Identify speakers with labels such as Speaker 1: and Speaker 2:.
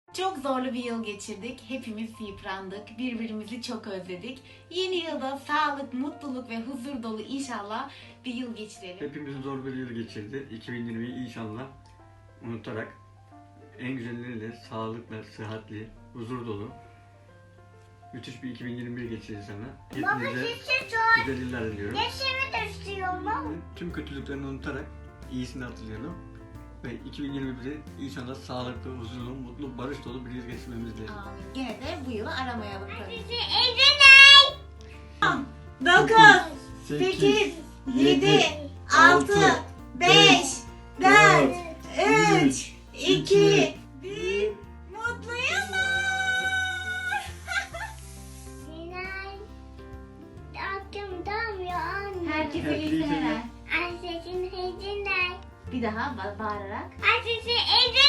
Speaker 1: Çok zorlu bir yıl geçirdik. Hepimiz yıprandık. Birbirimizi çok özledik. Yeni yılda sağlık, mutluluk ve huzur dolu inşallah bir yıl geçirelim.
Speaker 2: Hepimiz zor bir yıl geçirdi. 2020'yi inşallah unutarak en güzelleriyle sağlıkla, sıhhatli, huzur dolu müthiş bir 2021 geçirdi sana.
Speaker 3: Baba
Speaker 2: Hepinize
Speaker 3: şişe çok.
Speaker 2: güzel yıllar diliyorum.
Speaker 3: Yaşımı da istiyorum.
Speaker 2: Tüm kötülüklerini unutarak iyisini hatırlayalım. Ve 2021'i inşallah sağlıklı, huzurlu, mutlu, barış dolu bir yıl geçirmemiz dilerim.
Speaker 1: Amin. Gene de bu yılı aramayalım tabii.
Speaker 3: Şişe Ezenay.
Speaker 1: 9, 8, 7, 6, 5, 4, 3, 2, 1. Mutlu yıllar!
Speaker 3: Ezenay. Aklım damlıyor anne.
Speaker 1: Herkese iyi seneler.
Speaker 3: Ayşe'cin Ezenay.
Speaker 1: Bir daha bağırarak.
Speaker 3: Ayşe'cin Ezenay.